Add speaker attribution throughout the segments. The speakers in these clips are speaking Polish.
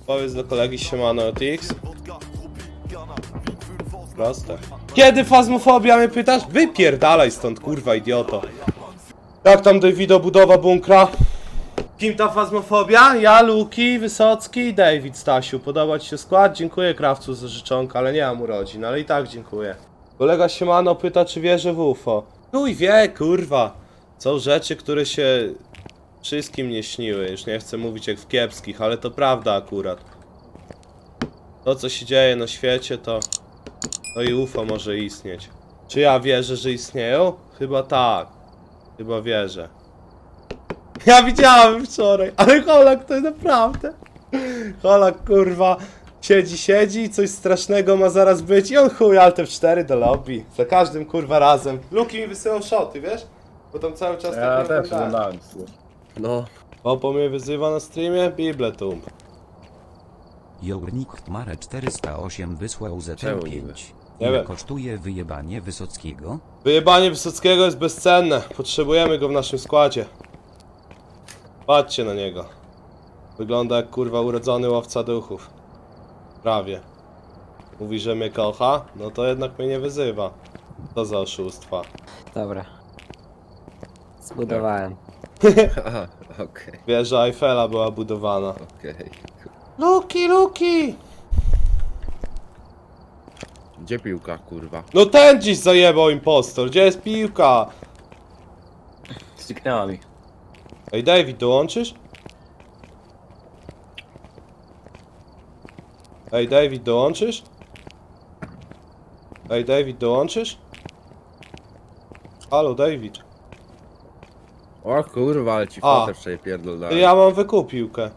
Speaker 1: Powiedz do kolegi siemano OTX. Proste. Kiedy fazmofobia mnie pytasz? Wypierdalaj stąd, kurwa idioto. Jak tam Davido budowa bunkra? Kim ta fazmofobia? Ja, Luki, Wysocki i David, Stasiu. Podoba ci się skład? Dziękuję krawcu za życzonkę, ale nie mam urodzin, ale i tak dziękuję. Kolega siemano pyta, czy wierzę w UFO. Chuj wie, kurwa. Są rzeczy, które się wszystkim nie śniły. Już nie chcę mówić jak w kiepskich, ale to prawda akurat. To, co się dzieje na świecie, to i UFO może istnieć. Czy ja wierzę, że istnieją? Chyba tak. Chyba wierzę. Ja widziałem wczoraj, ale Holak to naprawdę. Holak kurwa siedzi i coś strasznego ma zaraz być i on chuj alt F4 do lobby. Za każdym kurwa razem. Luki mi wysyłał shoty, wiesz? Bo tam cały czas
Speaker 2: Ja
Speaker 1: tak
Speaker 2: też
Speaker 1: oglądałem.
Speaker 2: oglądałem.
Speaker 3: No.
Speaker 1: Popo mnie wyzywa na streamie? Bibletum.
Speaker 4: Journik Mare 408 wysłał
Speaker 3: Czemu
Speaker 4: ZT5.
Speaker 3: niby?
Speaker 1: Nie
Speaker 4: Ile
Speaker 1: wiem.
Speaker 4: kosztuje wyjebanie Wysockiego?
Speaker 1: Wyjebanie Wysockiego jest bezcenne. Potrzebujemy go w naszym składzie. Patrzcie na niego. Wygląda jak kurwa urodzony łowca duchów. Prawie. Mówi, że mnie kocha, no to jednak mnie nie wyzywa. To za oszustwa.
Speaker 5: Dobra. Zbudowałem.
Speaker 3: Aha, okej,
Speaker 1: Wieża Eiffela była budowana.
Speaker 3: okej.
Speaker 1: Luki!
Speaker 3: Gdzie piłka, kurwa?
Speaker 1: No ten dziś zajebał impostor, gdzie jest piłka?
Speaker 2: Zniknęła mi.
Speaker 1: Ej David, dołączysz? Ej David, dołączysz? Ej David, dołączysz? Halo David.
Speaker 3: O kurwa, ale ci
Speaker 1: A.
Speaker 3: fotę wczoraj pierdolałem.
Speaker 1: Ja mam wykup piłkę.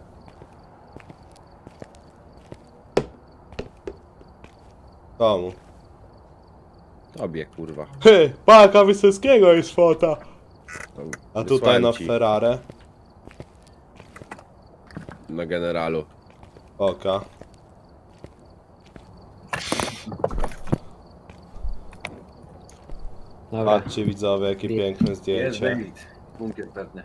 Speaker 1: Komu?
Speaker 3: Tobie, kurwa.
Speaker 1: Hy, Paka Wysockiego jest fota.
Speaker 3: To
Speaker 1: A
Speaker 3: wysłałem
Speaker 1: tutaj na
Speaker 3: ci
Speaker 1: Ferrari.
Speaker 3: Na generalu.
Speaker 1: Oka.
Speaker 5: Dobra.
Speaker 1: Patrzcie widzowie, jakie piękne
Speaker 2: Jest
Speaker 1: zdjęcie.
Speaker 2: David. Bunkier pewny.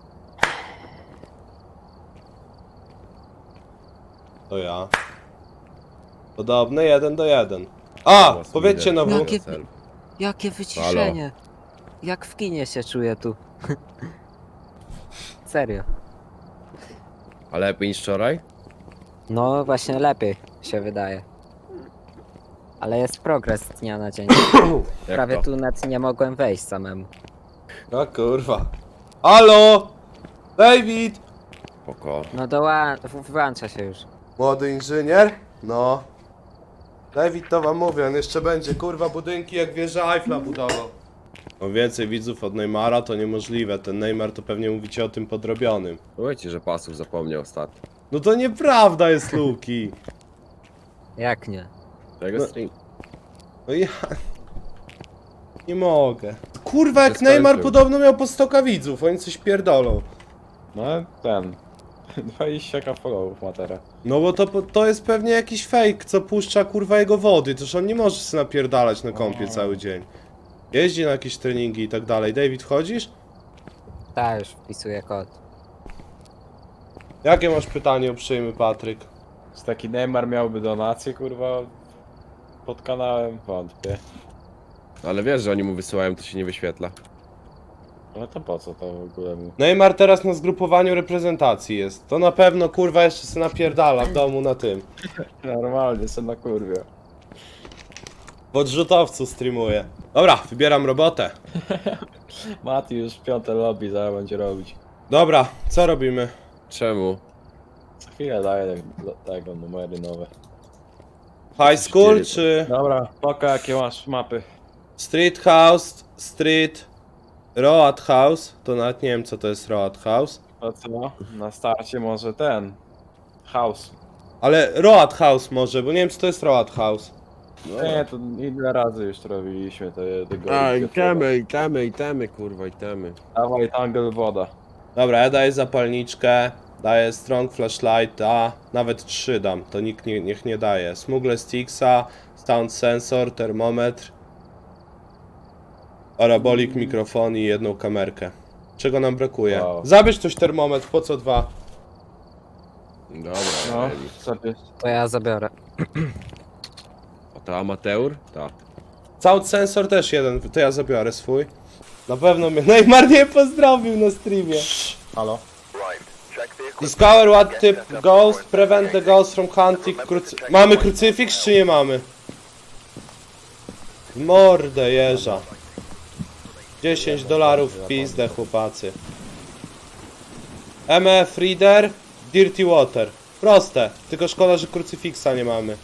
Speaker 1: To ja. Podobne 1:1. A!
Speaker 3: Teraz
Speaker 1: Powiedzcie
Speaker 3: idę.
Speaker 1: na W.
Speaker 5: Jakie-
Speaker 3: Cel.
Speaker 5: Jakie wyciszenie. Jak w kinie się czuję tu. Serio.
Speaker 3: A lepiej niż wczoraj?
Speaker 5: No właśnie lepiej się wydaje. Ale jest progres z dnia na dzień.
Speaker 3: Jak
Speaker 5: Prawie
Speaker 3: to?
Speaker 5: tu nawet nie mogłem wejść samemu.
Speaker 1: A kurwa. Halo! David!
Speaker 3: Spoko.
Speaker 5: No włącza się już.
Speaker 1: Młody inżynier? No. David to wam mówię, on jeszcze będzie kurwa budynki jak wieża Eiffla budował. Mam więcej widzów od Neymara to niemożliwe, ten Neymar to pewnie mówicie o tym podrobionym.
Speaker 3: Powiedzcie, że pasów zapomniał ostatnio.
Speaker 1: No to nieprawda jest Luki.
Speaker 5: Jak nie?
Speaker 3: Tego
Speaker 1: No.
Speaker 3: stream.
Speaker 1: No ja... Nie mogę. Kurwa jak
Speaker 3: Skończył.
Speaker 1: Neymar podobno miał po 100 widzów, oni coś pierdolą.
Speaker 2: No ten. 20 followów ma teraz.
Speaker 1: No bo to jest pewnie jakiś fake, co puszcza kurwa jego wody, toż on nie może się napierdalać na kąpie cały dzień. Jeździ na jakieś treningi i tak dalej. David, chodzisz?
Speaker 5: Tak, już wpisuję kod.
Speaker 1: Jakie masz pytanie uprzejmy Patryk?
Speaker 2: Czy taki Neymar miałby donację, kurwa? Pod kanałem? Wątpię.
Speaker 3: Ale wiesz, że oni mu wysyłają, to się nie wyświetla.
Speaker 2: No to po co to w ogóle mu?
Speaker 1: Neymar teraz na zgrupowaniu reprezentacji jest. To na pewno kurwa jeszcze se napierdala w domu na tym.
Speaker 2: Normalnie, są na kurwie.
Speaker 1: W odrzutowcu streamuje. Dobra, wybieram robotę.
Speaker 2: Mati już 5 lobby zaraz będzie robić.
Speaker 1: Dobra, co robimy?
Speaker 3: Czemu?
Speaker 2: Co chwilę daję tego numery nowe.
Speaker 1: High school
Speaker 3: Dziewięć.
Speaker 1: czy
Speaker 2: Dobra, poka jakie masz mapy.
Speaker 1: street house, street, road house? To nawet nie wiem co to jest road house.
Speaker 2: To co? Na starcie może ten. House.
Speaker 1: Ale road house może, bo nie wiem czy to jest road house.
Speaker 2: Nie, to ile razy już to robiliśmy tego.
Speaker 3: A, itemy, kurwa, itemy.
Speaker 2: Dawaj tangle woda.
Speaker 1: Dobra, ja daję zapalniczkę, daję strong flashlighta, nawet 3 dam, to nikt niech nie daje. Smuggle sticksa, sound sensor, termometr, parabolik, mikrofon i jedną kamerkę. Czego nam brakuje?
Speaker 2: Wow.
Speaker 1: Zabierz coś termometr, po co 2?
Speaker 3: Dobra,
Speaker 2: No,
Speaker 3: mieli.
Speaker 2: co ty?
Speaker 5: To ja zabiorę.
Speaker 3: A to amateur? Tak.
Speaker 1: Sound sensor też jeden, to ja zabiorę swój. Na pewno mnie Neymar nie pozdrowił na streamie.
Speaker 2: Halo?
Speaker 1: Discover what type ghost, prevent the ghost from hunting Mamy krucyfiks czy nie mamy? Mordę jeża. $10 w pizdę chłopacy. MF Reader, Dirty Water. Proste, tylko szkoda, że krucyfiksa nie mamy.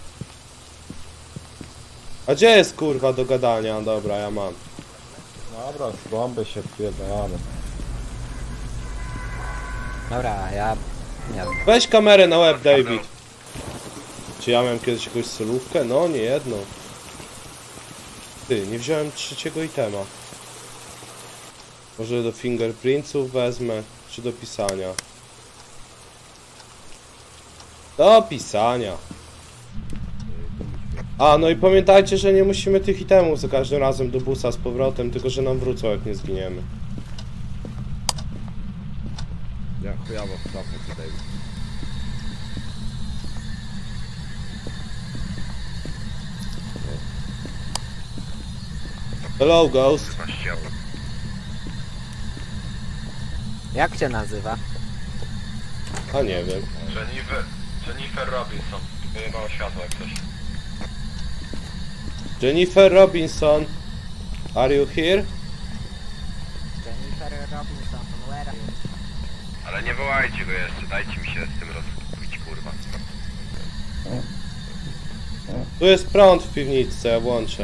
Speaker 1: A gdzie jest kurwa do gadania? Dobra, ja mam.
Speaker 2: Dobra, z bomby się odpierdalamy.
Speaker 5: Dobra, ja... Nie wiem.
Speaker 1: Weź kamerę na łeb, David. Czy ja miałem kiedyś jakąś solówkę? No, nie jedną. Ty, nie wziąłem trzeciego itema. Może do fingerprintsów wezmę, czy do pisania? Do pisania. A, no i pamiętajcie, że nie musimy tych itemów za każdym razem do busa z powrotem, tylko że nam wrócą, jak nie zginiemy.
Speaker 3: Ja chujowo w topę tutaj.
Speaker 1: Hello, Ghost.
Speaker 5: Jak cię nazywa?
Speaker 1: A nie wiem.
Speaker 6: Jennifer Robinson. Wyjebało światło jak coś.
Speaker 1: Jennifer Robinson. Are you here?
Speaker 5: Jennifer Robinson, where are you?
Speaker 6: Ale nie wołajcie go jeszcze, dajcie mi się z tym rozkupić, kurwa.
Speaker 1: Tu jest prąd w piwnicy, ja włączę.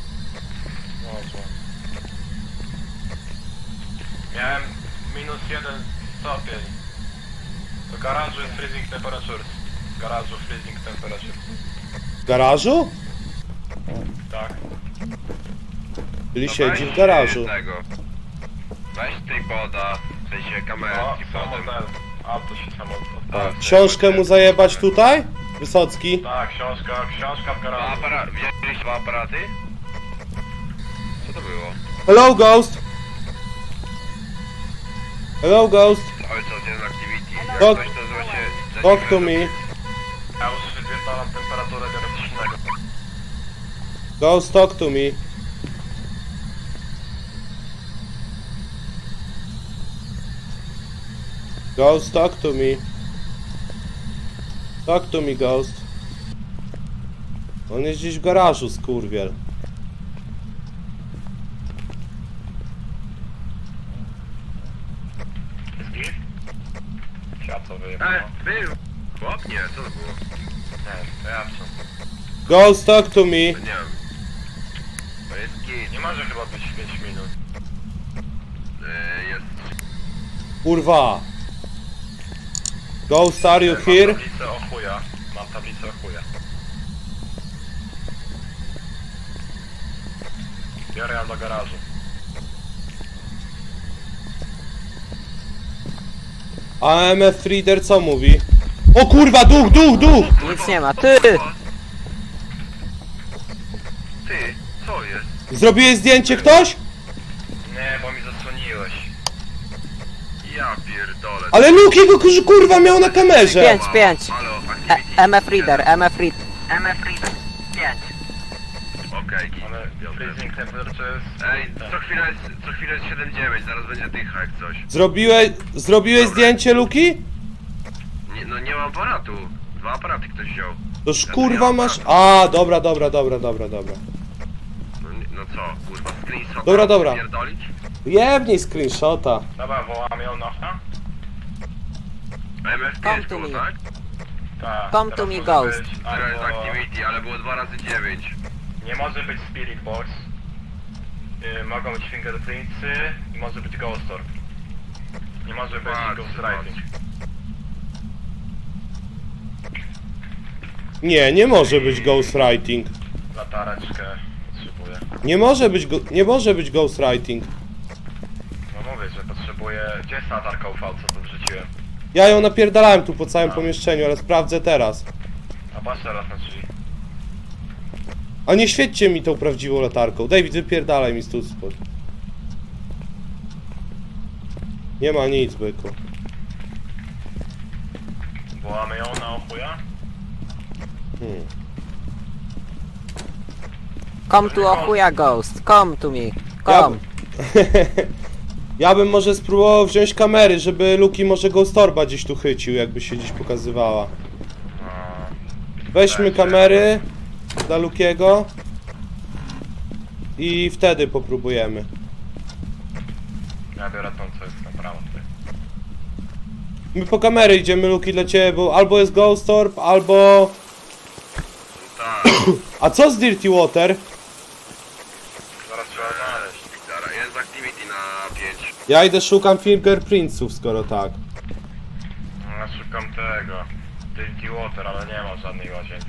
Speaker 6: Miałem -1 stopień. Do garażu jest freezing temperature. W garażu freezing temperature.
Speaker 1: W garażu?
Speaker 6: Tak.
Speaker 1: Czyli siedzi w garażu.
Speaker 6: Weź tripoda, w sensie kamerę tripodem. Auto się samo odpala.
Speaker 1: Książkę mu zajebać tutaj? Wysocki.
Speaker 6: Tak, książka w garażu. Wzięliście 2 aparaty? Co to było?
Speaker 1: Hello, Ghost. Hello, Ghost.
Speaker 6: Cały czas jeden activity. Jak
Speaker 1: Talk-
Speaker 6: coś to zwa się...
Speaker 1: Talk to me.
Speaker 6: Ja już wypierdalam temperaturę, biorę coś innego.
Speaker 1: Ghost, talk to me. Ghost, talk to me. Talk to me, Ghost. On jest gdzieś w garażu, skurwiel.
Speaker 6: Światło wyjebało.
Speaker 3: Był! Chłop? Nie, co to było?
Speaker 6: Nie, to ja co?
Speaker 1: Ghost, talk to me.
Speaker 3: Nie wiem. To jest git.
Speaker 6: Nie może chyba być 5 minut.
Speaker 3: Jest...
Speaker 1: Kurwa. Ghost, are you here?
Speaker 6: Mam tablicę o chuja. Mam tablicę o chuja. Biorę ją do garażu.
Speaker 1: AMF Reader co mówi? O kurwa, duch!
Speaker 5: Nic nie ma, ty!
Speaker 6: Ty, co jest?
Speaker 1: Zrobiłeś zdjęcie ktoś?
Speaker 6: Nie, bo mi zasłoniłeś.
Speaker 3: Ja pierdolę.
Speaker 1: Ale Luki go kurwa miał na kamerze!
Speaker 5: 5.
Speaker 3: Halo, activity.
Speaker 5: MF Reader, MF Reader.
Speaker 3: Okej, git.
Speaker 6: Ale freezing temperature jest...
Speaker 3: Ej, co chwilę jest 7-9, zaraz będzie dycha jak coś.
Speaker 1: Zrobiłeś zdjęcie Luki?
Speaker 3: Nie, no nie mam aparatu. 2 aparaty ktoś wziął.
Speaker 1: Toż kurwa masz... A, dobra.
Speaker 3: No, no co, kurwa, screenshot.
Speaker 1: Dobra.
Speaker 3: Pierdolić?
Speaker 1: Jebnij screenshota.
Speaker 6: Dobra, wołam ją na...
Speaker 5: Come
Speaker 3: MF5
Speaker 5: to
Speaker 3: było,
Speaker 5: me.
Speaker 3: tak?
Speaker 6: Tak.
Speaker 5: Come to
Speaker 6: teraz
Speaker 5: me,
Speaker 6: może
Speaker 5: ghost.
Speaker 6: być
Speaker 3: Teraz jest
Speaker 6: albo-
Speaker 3: activity, ale było 2 razy 9.
Speaker 6: Nie może być Spirit Box. Mogą być fingerprintsy i może być Ghost Orb. Nie może być Ghost Writing.
Speaker 1: Nie może być ghostwriting.
Speaker 6: Latareczkę potrzebuję.
Speaker 1: Nie może być ghostwriting.
Speaker 6: No mówię, że potrzebuję... Gdzie jest latarka UV, co tu wrzuciłem?
Speaker 1: Ja ją napierdalałem tu po całym pomieszczeniu, ale sprawdzę teraz.
Speaker 6: A patrz teraz na drzwi.
Speaker 1: A nie świećcie mi tą prawdziwą latarką. David, wypierdalaj mi stąd spod. Nie ma nic, byku.
Speaker 6: Wołamy ją chuja?
Speaker 5: Come to Ochuja Ghost, come to me, come.
Speaker 1: Ja bym może spróbował wziąć kamery, żeby Luki może Ghost Orba gdzieś tu chycił, jakby się gdzieś pokazywała. Weźmy kamery dla Lukiego i wtedy popróbujemy.
Speaker 6: Ja biorę tą, co jest na prawo tutaj.
Speaker 1: My po kamery idziemy, Luki, dla ciebie, bo albo jest Ghost Orb, albo...
Speaker 3: Tak,
Speaker 1: A co z Dirty Water?
Speaker 6: Zaraz trzeba znaleźć.
Speaker 3: zaraz, jest activity na 5.
Speaker 1: Ja idę szukam fingerprintsów, skoro tak.
Speaker 6: No, ja szukam tego. Dirty Water, ale nie ma żadnej łazience.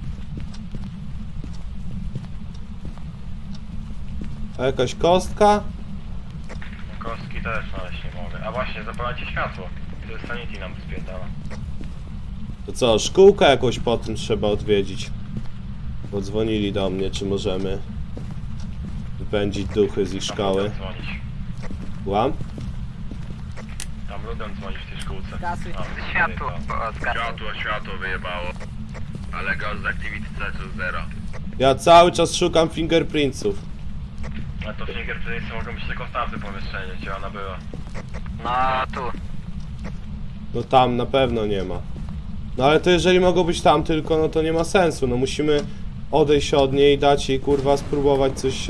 Speaker 1: A jakaś kostka?
Speaker 6: No, kostki też znaleźć nie mogę. A właśnie, zapalajcie światło. To jest sanity nam spierdala.
Speaker 1: To co, szkółkę jakąś potem trzeba odwiedzić. Podzwonili do mnie, czy możemy wypędzić duchy z ich szkoły.
Speaker 6: Tam lubią dzwonić.
Speaker 1: Łam?
Speaker 6: Tam lubią dzwonić w tej szkółce.
Speaker 5: Gasuj.
Speaker 6: A,
Speaker 5: Światło,
Speaker 3: Światło wyjebało. Ale ghost activity C 0.
Speaker 1: Ja cały czas szukam fingerprintsów.
Speaker 6: Ale to fingerprintsy mogą być tylko w tamtym pomieszczeniu, gdzie ona była.
Speaker 5: No tu.
Speaker 1: No tam na pewno nie ma. No ale to jeżeli mogą być tam tylko, no to nie ma sensu. No musimy odejść od niej, dać jej kurwa spróbować coś...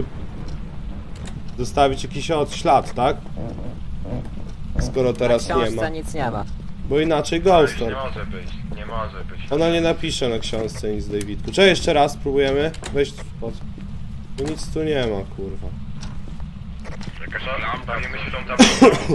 Speaker 1: zostawić jakiś ślad, tak? Skoro teraz
Speaker 5: W
Speaker 1: nie
Speaker 5: książce
Speaker 1: ma.
Speaker 5: nic nie ma.
Speaker 1: Bo inaczej
Speaker 6: To
Speaker 1: Ghost
Speaker 6: już nie
Speaker 1: Orb.
Speaker 6: może być, nie może być.
Speaker 1: Ona nie napisze na książce nic, Davidku. Czy jeszcze raz spróbujemy? Weź pod... No nic tu nie ma, kurwa.
Speaker 6: Jakaś lampa, bawimy się tą tablicą.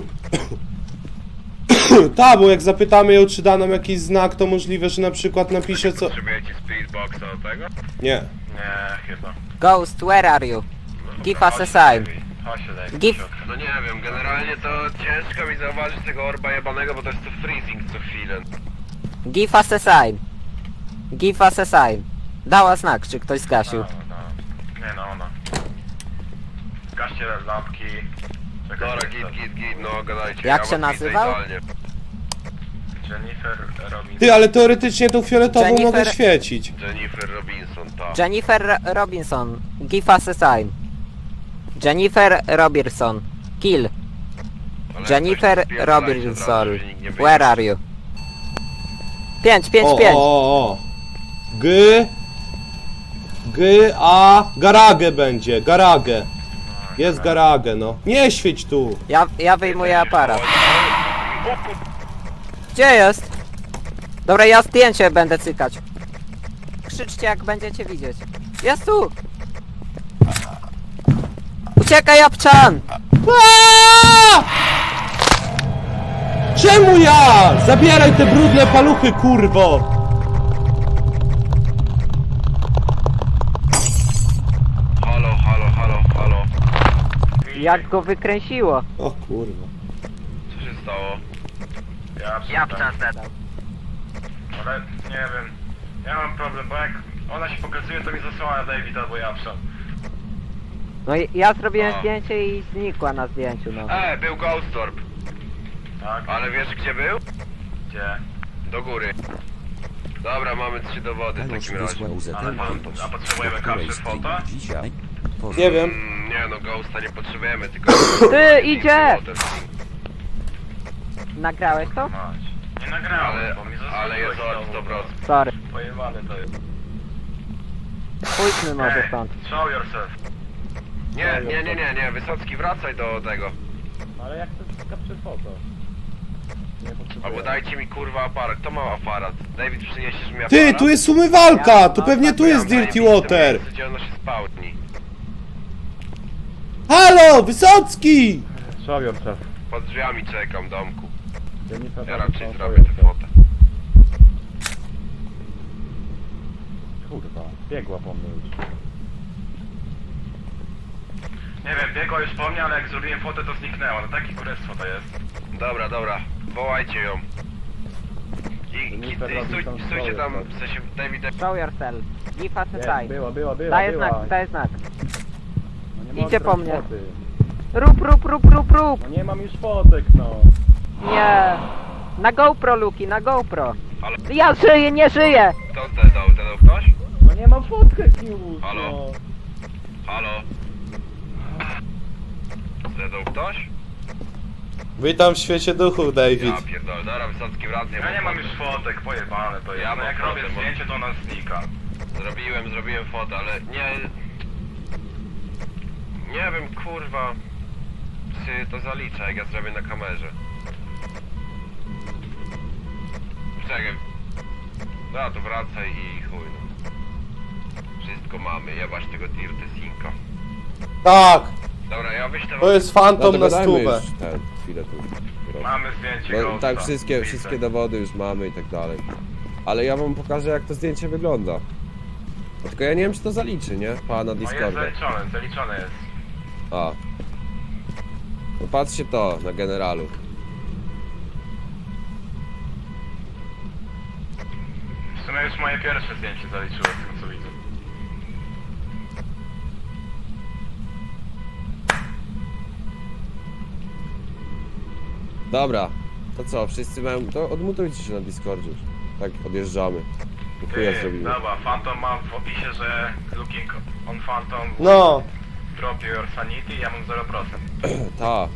Speaker 1: Ta, bo jak zapytamy ją, czy da nam jakiś znak, to możliwe, że na przykład napisze co...
Speaker 3: Potrzebujecie spirit boxa do tego?
Speaker 1: Nie.
Speaker 6: Nie, chyba.
Speaker 5: Ghost, where are you? Give us a sign.
Speaker 6: Chodź się daj.
Speaker 5: Give-
Speaker 3: No nie wiem, generalnie to ciężko mi zauważyć tego orba jebanego, bo to jest to freezing co chwilę.
Speaker 5: Give us a sign. Give us a sign. Dała znak, czy ktoś zgasił.
Speaker 6: Nie no, ona. Zgaście lampki. Czekaj,
Speaker 3: Dobra,
Speaker 6: co-
Speaker 3: git, no gadajcie.
Speaker 5: Jak
Speaker 3: ja
Speaker 5: się
Speaker 3: was
Speaker 5: nazywał?
Speaker 3: widzę idealnie.
Speaker 6: Jennifer Robinson.
Speaker 1: Ty, ale teoretycznie tą fioletową
Speaker 5: Jennifer-
Speaker 1: mogę świecić.
Speaker 3: Jennifer Robinson, tak.
Speaker 5: Jennifer Robinson. Give us a sign. Jennifer Robinson. Kill.
Speaker 3: Ale
Speaker 5: Jennifer
Speaker 3: coś spierdalajcie od
Speaker 5: Robinson.
Speaker 3: razu, żeby nikt nie
Speaker 5: Where
Speaker 3: wiedział.
Speaker 5: are you? 5, 5,
Speaker 1: O,
Speaker 5: 5.
Speaker 1: o. A... Garagę będzie, garagę. Jest garagę, no. Nie świeć tu.
Speaker 5: Ja wyjmuję aparat. Gdzie jest? Dobra, ja zdjęcie będę cykać. Krzyczcie jak będziecie widzieć. Jest tu! Uciekaj, Japczan!
Speaker 1: Aaaa! Czemu ja? Zabieraj te brudne paluchy, kurwo!
Speaker 3: Halo.
Speaker 5: Jak go wykręciło?
Speaker 1: O kurwa.
Speaker 3: Co się stało?
Speaker 6: Japczan zadał. Ale nie wiem. Ja mam problem, bo jak ona się pokazuje, to mi zasłania David albo Japczan.
Speaker 5: No i ja zrobiłem
Speaker 3: A.
Speaker 5: zdjęcie i znikła na zdjęciu, no.
Speaker 3: Był Ghost Orb.
Speaker 6: Tak?
Speaker 3: Ale wiesz gdzie był?
Speaker 6: Gdzie?
Speaker 3: Do góry. Dobra, mamy 3 dowody w
Speaker 4: Janusz
Speaker 3: takim razie.
Speaker 4: wysłał ZL
Speaker 6: Ale mam-
Speaker 4: Fantosz.
Speaker 6: a potrzebujemy
Speaker 4: O której
Speaker 6: kapsy
Speaker 4: stream
Speaker 6: fota?
Speaker 4: dzisiaj?
Speaker 1: Nie wiem.
Speaker 3: Nie no, Ghosta nie potrzebujemy, tylko...
Speaker 5: Ty, idzie! Nagrałeś to?
Speaker 6: Mać. Nie nagrałem,
Speaker 3: Ale,
Speaker 6: bo mi
Speaker 3: ale jest od 100%.
Speaker 5: Sorry.
Speaker 6: Pojebane to jest.
Speaker 5: Pójdźmy może
Speaker 6: Ej,
Speaker 5: stąd.
Speaker 6: show yourself.
Speaker 3: Nie, Wysocki, wracaj do tego.
Speaker 2: Ale jak to jest kapczy foto? Nie potrzebuję.
Speaker 3: Albo dajcie mi kurwa aparat. Kto ma aparat? David, przyniesiesz mi aparat?
Speaker 1: Ty, tu jest umywalka! To pewnie tu jest Dirty Water!
Speaker 3: Gdzie ono się spełni?
Speaker 1: Halo, Wysocki!
Speaker 2: Show yourself.
Speaker 3: Pod drzwiami czekam, domku.
Speaker 2: Jennifer
Speaker 3: Ja
Speaker 2: Robinson,
Speaker 3: raczej
Speaker 2: show
Speaker 3: zrobię tę
Speaker 2: yourself.
Speaker 3: fotę.
Speaker 2: Kurwa, biegła po mnie już.
Speaker 6: Nie wiem, biegła już po mnie, ale jak zrobiłem fotę, to zniknęła. No takie kurestwo to jest.
Speaker 3: Dobra, wołajcie ją. I
Speaker 2: Jennifer Robinson,
Speaker 3: stójcie tam,
Speaker 2: show
Speaker 3: w sensie David...
Speaker 5: Show yourself. Give us a
Speaker 2: Jest,
Speaker 5: sign.
Speaker 2: była.
Speaker 5: Daję znak, daję znak.
Speaker 2: No nie
Speaker 5: Idzie
Speaker 2: mogę
Speaker 5: po
Speaker 2: robić
Speaker 5: mnie.
Speaker 2: foty.
Speaker 5: Rób.
Speaker 2: No nie mam już fotek, no.
Speaker 5: Nie. Na GoPro, Luki, na GoPro. Ja żyję, nie żyję!
Speaker 3: Kto zdedał? Zdedał ktoś?
Speaker 2: No nie mam fotkę, Kius,
Speaker 3: Halo?
Speaker 2: no.
Speaker 3: Halo? Zdedał ktoś?
Speaker 1: Witam w świecie duchów, David.
Speaker 3: Ja pierdolę, dobra, Wysocki wracaj.
Speaker 6: Ja nie mam już fotek, pojebane to jest.
Speaker 3: Ja
Speaker 6: No
Speaker 3: mam
Speaker 6: jak robię
Speaker 3: fotę, bo-
Speaker 6: zdjęcie, to ona znika.
Speaker 3: Zrobiłem fotę, ale nie... Nie wiem, kurwa... Czy to zalicza, jak ja zrobię na kamerze. Czekaj. No to wracaj i chuj no. Wszystko mamy, jebać tego Dirtesinka.
Speaker 1: Tak,
Speaker 3: Dobra, ja wyślę
Speaker 1: to jest fantom na
Speaker 7: dogadajmy
Speaker 1: stówę.
Speaker 7: już ten, chwilę tu.
Speaker 6: Mamy zdjęcie
Speaker 7: Bo
Speaker 6: Ghosta.
Speaker 7: tak, wszystkie dowody już mamy i tak dalej. Ale ja wam pokażę, jak to zdjęcie wygląda. A tylko ja nie wiem, czy to zaliczy, nie? Pana
Speaker 6: No jest
Speaker 7: Discorda.
Speaker 6: zaliczone jest.
Speaker 7: A. No patrzcie to, na generalu.
Speaker 6: W sumie już moje pierwsze zdjęcie zaliczyło z tego co widzę.
Speaker 7: Dobra, to co, wszyscy mają... To odmutujcie się na Discordzie już. Tak, odjeżdżamy. Chuja zrobimy.
Speaker 6: Dobra, Phantom mam w opisie, że looking on Phantom
Speaker 1: No,
Speaker 6: drop your sanity, ja mam 0%.
Speaker 7: Ta.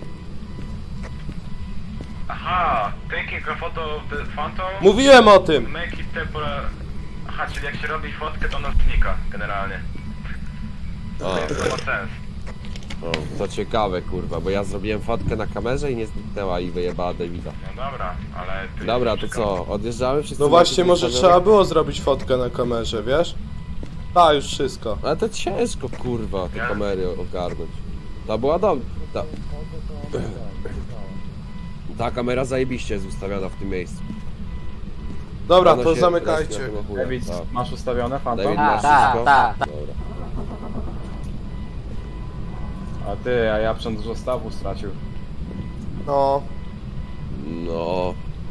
Speaker 6: Aha, taking a photo of the Phantom,
Speaker 1: mówiłem o tym.
Speaker 6: make it temporary... Aha, czyli jak się robi fotkę, to ona znika generalnie.
Speaker 7: A,
Speaker 6: To ma sens.
Speaker 7: o, to ciekawe, kurwa, bo ja zrobiłem fotkę na kamerze i nie zniknęła i wyjebała Davida.
Speaker 6: No dobra, ale... ty
Speaker 7: Dobra, to
Speaker 6: wszystko-
Speaker 7: co, odjeżdżamy? Wszyscy
Speaker 1: No właśnie,
Speaker 7: macie
Speaker 1: może
Speaker 7: ustawione?
Speaker 1: trzeba było zrobić fotkę na kamerze, wiesz? Tak, już wszystko.
Speaker 7: Ale to ciężko, kurwa, te
Speaker 6: Ja-
Speaker 7: kamery ogarnąć. Ta była dobra. Ta kamera zajebiście jest ustawiona w tym miejscu.
Speaker 1: Dobra,
Speaker 7: Ona
Speaker 1: to
Speaker 7: się
Speaker 1: zamykajcie.
Speaker 7: respi na tego chuja.
Speaker 2: David,
Speaker 7: Tak.
Speaker 2: masz ustawione fantom?
Speaker 7: David, masz
Speaker 5: Tak,
Speaker 7: wszystko?
Speaker 5: tak, tak.
Speaker 7: Dobra.
Speaker 2: A ty, a ja przęd dużo stawu stracił.
Speaker 1: No.
Speaker 7: No.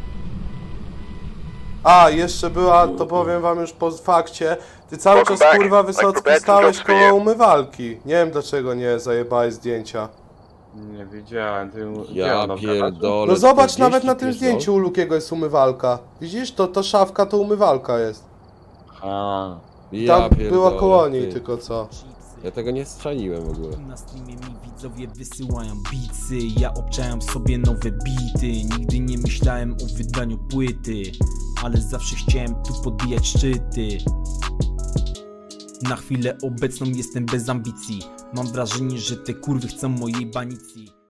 Speaker 1: A, jeszcze była, to powiem wam już po fakcie. Ty cały czas, kurwa, Wysocki stałeś koło umywalki. Nie wiem dlaczego nie zajebałeś zdjęcia.
Speaker 2: Nie wiedziałem, ty... gdzie
Speaker 7: Ja
Speaker 2: ona w garażu?
Speaker 7: pierdolę.
Speaker 1: No zobacz,
Speaker 7: 40
Speaker 1: nawet na tym
Speaker 7: pierdol.
Speaker 1: zdjęciu u Lukiego jest umywalka. Widzisz, to szafka to umywalka jest.
Speaker 2: A,
Speaker 7: Ja
Speaker 1: Tam
Speaker 7: pierdolę,
Speaker 1: była koło niej
Speaker 7: ty.
Speaker 1: tylko co.
Speaker 7: Ja tego nie strzeliłem w ogóle.
Speaker 8: Na streamie mi widzowie wysyłają beatsy. Ja obczałem sobie nowe bity. Nigdy nie myślałem o wydaniu płyty, ale zawsze chciałem tu podbijać szczyty. Na chwilę obecną jestem bez ambicji. Mam wrażenie, że te kurwy chcą mojej banicji.